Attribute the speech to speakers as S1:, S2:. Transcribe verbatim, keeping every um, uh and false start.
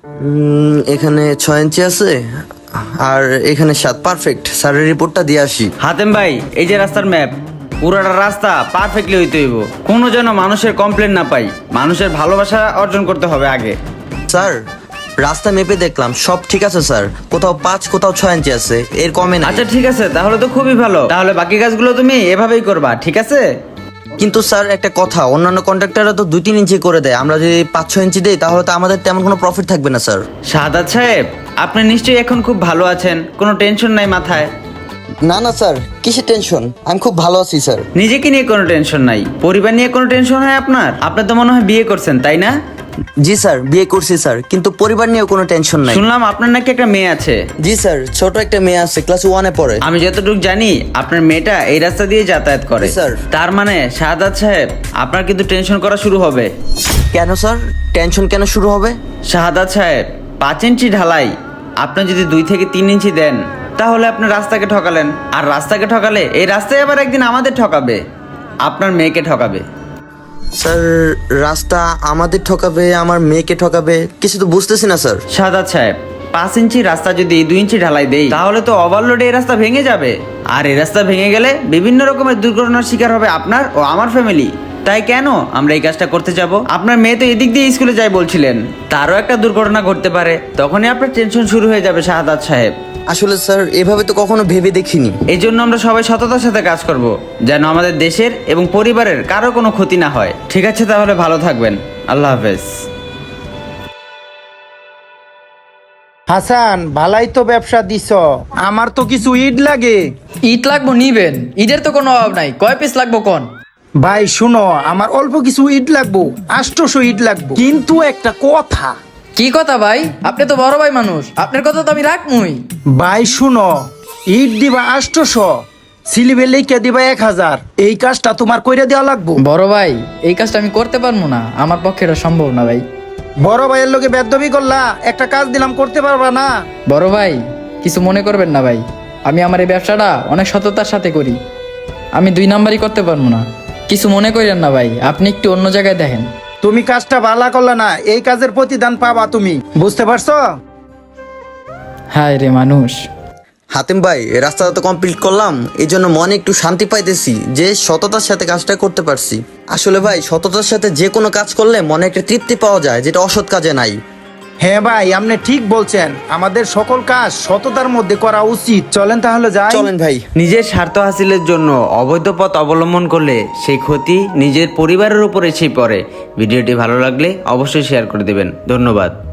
S1: উম, এখানে ছয় ইঞ্চি আছে আর এখানে সাত। পারফেক্ট, স্যারের রিপোর্টটা দিয়ে আসি।
S2: হাতেম ভাই, এই যে রাস্তার ম্যাপ, পুরাটা রাস্তা পারফেক্টলি হইতে হইব, কোনো যেন মানুষের কমপ্লেন না পাই। মানুষের ভালোবাসা অর্জন করতে হবে আগে।
S1: স্যার, রাস্তা মেপে দেখলাম সব ঠিক আছে স্যার, কোথাও পাঁচ কোথাও ছয় ইঞ্চি আছে, এর কমে না।
S2: আচ্ছা ঠিক আছে, তাহলে তো খুবই ভালো। তাহলে বাকি কাজগুলো তুমি এভাবেই করবা, ঠিক আছে?
S1: কিন্তু স্যার একটা কথা, অন্যান্য কন্ট্রাক্টররা তো দুই তিন ইঞ্চি করে দেয়, আমরা যদি পাঁচ ছয় ইঞ্চি দিই তাহলে তো আমাদের তেমন কোনো প্রফিট থাকবে না স্যার।
S2: শাহাদাত সাহেব, আপনি নিশ্চয়ই এখন খুব ভালো আছেন, কোনো টেনশন নাই মাথায়?
S1: না না স্যার, কিসের টেনশন, আমি খুব ভালো আছি স্যার।
S2: নিজেকে নিয়ে কোনো টেনশন নাই, পরিবার নিয়ে কোনো টেনশন হয় আপনার? আপনি তো মনে হয় বিয়ে করছেন, তাই না?
S1: জি স্যার, বিয়ে করছি স্যার, কিন্তু পরিবার নিয়েও কোনো টেনশন নাই।
S2: শুনলাম আপনার নাকি একটা মেয়ে আছে।
S1: জি স্যার, ছোট একটা মেয়ে আছে, ক্লাস ওয়ানে পড়ে।
S2: আমি যতটুকু জানি আপনার মেয়েটা এই রাস্তা দিয়ে যাতায়াত করে।
S1: জি, স্যার।
S2: তার মানে শাহাদাত সাহেব, আপনার কিন্তু টেনশন করা শুরু হবে।
S1: কেন স্যার, টেনশন কেন শুরু হবে?
S2: শাহাদাত সাহেব, পাঁচ ইঞ্চি ঢালাই আপনি যদি দুই থেকে তিন ইঞ্চি দেন, তাহলে আপনি রাস্তাকে ঠকালেন। আর রাস্তাকে ঠকালে এই রাস্তায় আবার একদিন আমাদের ঠকাবে, আপনার মেয়েকে ঠকাবে।
S1: স্যার, রাস্তা আমাদের ঠকাবে, আমার মেয়েকে ঠকাবে, কিছু তো বুঝতেছি না স্যার।
S2: শাহাদাত সাহেব, পাঁচ ইঞ্চি রাস্তা যদি দুই ইঞ্চি ঢালাই দেই, তাহলে তো ওভারলোডে এই রাস্তা ভেঙে যাবে। আর এই রাস্তা ভেঙে গেলে বিভিন্ন রকমের দুর্ঘটনার শিকার হবে আপনার ও আমার ফ্যামিলি। তাই কেন আমরা এই কাজটা করতে যাব? আপনার মেয়ে তো এদিক দিয়ে স্কুলে যায় বলছিলেন, তারও একটা দুর্ঘটনা ঘটতে পারে, তখনই আপনার টেনশন শুরু হয়ে যাবে শাহাদাত সাহেব।
S1: আসলে স্যার, এভাবে তো কখনো ভেবে দেখিনি।
S2: এই জন্য আমরা সবাই সততার সাথে কাজ করব, যেন আমাদের দেশের এবং পরিবারের কারো কোনো ক্ষতি না হয়। ঠিক আছে, তাহলে ভালো থাকবেন, আল্লাহ হাফেজ।
S3: হাসান, ভালাই তো ব্যবসা দিছ, আমার তো কিছু ইট লাগে।
S4: ইট লাগবো নিবেন, ইটের তো কোনো অভাব নাই। কয় পিস লাগবো কোন?
S3: ভাই শুনো, আমার অল্প কিছু ইট লাগবো, আষ্টশো ইট লাগবো, কিন্তু একটা কথা।
S4: কি কথা ভাই? আপনি তো বড় ভাই মানুষ, আপনার কথা তো আমি রাখমুই।
S3: ভাই শুনো, ইট দিবা আষ্টশো, সিলিবে লিখে দিবা এক হাজার, এই কাজটা তোমার কইরা দেওয়া লাগবো।
S4: বড় ভাই, এই কাজটা আমি করতে পারবো না, আমার পক্ষে এটা সম্ভব না ভাই।
S3: বড় ভাইয়ের লোকে বেদবি করলা, একটা কাজ দিলাম করতে পারবা না?
S4: বড় ভাই, কিছু মনে করবেন না ভাই, আমি আমার এই ব্যবসাটা অনেক সততার সাথে করি, আমি দুই নাম্বারই করতে পারবো না। কিছু মনে করেন না ভাই, আপনি একটু অন্য জায়গায় দেখেন।
S3: তুমি কাজটা ভালো করলা না, এই কাজের প্রতিদান পাবা তুমি, বুঝতে পারছো?
S4: হায় রে মানুষ।
S1: হাতিম ভাই, রাস্তাটা তো কমপ্লিট করলাম, এই জন্য মনে একটু শান্তি পাইতেছি যে সততার সাথে কাজটা করতে পারছি। আসলে ভাই, সততার সাথে যে কোনো কাজ করলে মনে একটা তৃপ্তি পাওয়া যায়, যেটা অসৎ কাজে নাই।
S3: হ্যাঁ ভাই, আপনি ঠিক বলছেন, আমাদের সকল কাজ সততার মধ্যে করা উচিত। চলেন তাহলে যাই।
S1: চলেন ভাই।
S2: নিজের স্বার্থ হাসিলের জন্য অবৈধ পথ অবলম্বন করলে সেই ক্ষতি নিজের পরিবারের উপর এসেই পড়ে। ভিডিওটি ভালো লাগলে অবশ্যই শেয়ার করে দেবেন। ধন্যবাদ।